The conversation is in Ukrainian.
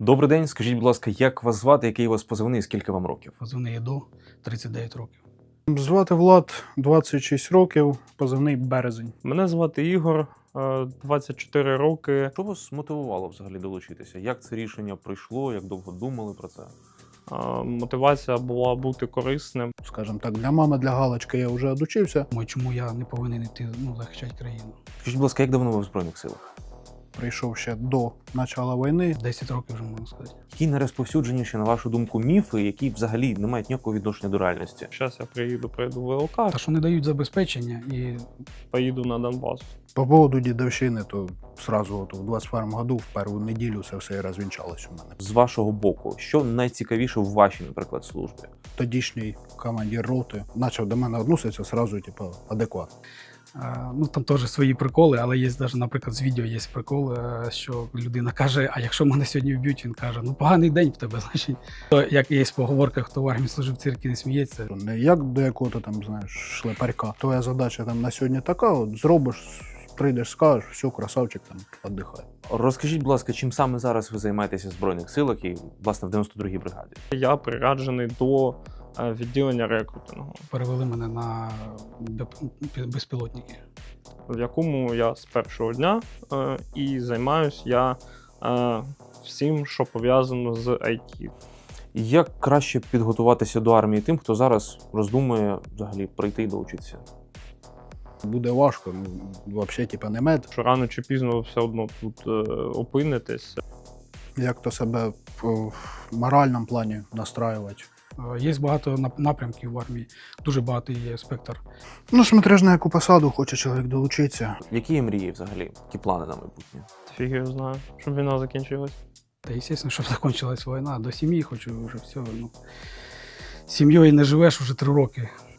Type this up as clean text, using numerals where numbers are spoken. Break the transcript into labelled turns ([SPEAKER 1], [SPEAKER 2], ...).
[SPEAKER 1] Добрий день, скажіть, будь ласка, як вас звати, який у вас позивний, скільки вам років?
[SPEAKER 2] Позивний ЄДО, 39 років.
[SPEAKER 3] Звати Влад, 26 років, позивний Березень.
[SPEAKER 4] Мене звати Ігор, 24 роки.
[SPEAKER 1] Що вас мотивувало взагалі долучитися? Як це рішення прийшло, як довго думали про це?
[SPEAKER 4] Мотивація була бути корисним.
[SPEAKER 3] Скажімо так, для мами, для галочки я вже одучився.
[SPEAKER 2] Думаю, чому я не повинен йти захищати країну?
[SPEAKER 1] Скажіть, будь ласка, як давно ви в Збройних силах?
[SPEAKER 3] Прийшов ще до початку війни.
[SPEAKER 2] 10 років вже можна сказати.
[SPEAKER 1] Які найрозповсюдженіші, на вашу думку, міфи, які взагалі не мають ніякого відношення до реальності?
[SPEAKER 4] Зараз я прийду ВЛК,
[SPEAKER 2] Та що не дають забезпечення і
[SPEAKER 4] поїду на Донбас.
[SPEAKER 3] По поводу дідовщини, то сразу от, в 21-му году, в першу неділю, це все і розвінчалось у мене.
[SPEAKER 1] З вашого боку, що найцікавіше в вашій, наприклад, службі?
[SPEAKER 3] Тодішній командир роти почав до мене відноситися сразу, типу, адекватно.
[SPEAKER 2] там теж свої приколи, але є навіть, наприклад, з відео є прикол, що людина каже, а якщо мене сьогодні вб'ють, він каже, поганий день в тебе, значить. То, як є поговорка, хто в армії служив, в цирки не сміється.
[SPEAKER 3] Не як до якого-то там, знаєш, шлепарька. Твоя задача там на сьогодні така, от зробиш, прийдеш, скажеш, все, красавчик, там, віддихай.
[SPEAKER 1] Розкажіть, будь ласка, чим саме зараз ви займаєтеся в Збройних силах і, власне, в 92-й бригаді?
[SPEAKER 4] Я прираджений до відділення рекрутингу,
[SPEAKER 2] Перевели мене на безпілотники.
[SPEAKER 4] в якому я з першого дня і займаюся я всім, що пов'язано з IT.
[SPEAKER 1] Як краще підготуватися до армії тим, хто зараз роздумує взагалі прийти і долучитися?
[SPEAKER 3] Буде важко, взагалі, типу, не мед.
[SPEAKER 4] Що рано чи пізно ви все одно тут опинитесь.
[SPEAKER 3] Як то себе в моральному плані настраювати.
[SPEAKER 2] Є багато напрямків в армії, дуже багато є спектр.
[SPEAKER 3] Смотриш на яку посаду хоче чоловік долучитися.
[SPEAKER 1] Які є мрії взагалі? Які плани на майбутнє?
[SPEAKER 4] Фіг його знаю, щоб війна закінчилась.
[SPEAKER 2] Та, звісно, щоб закінчилась війна, до сім'ї хочу вже все. З сім'єю не живеш вже 3 роки.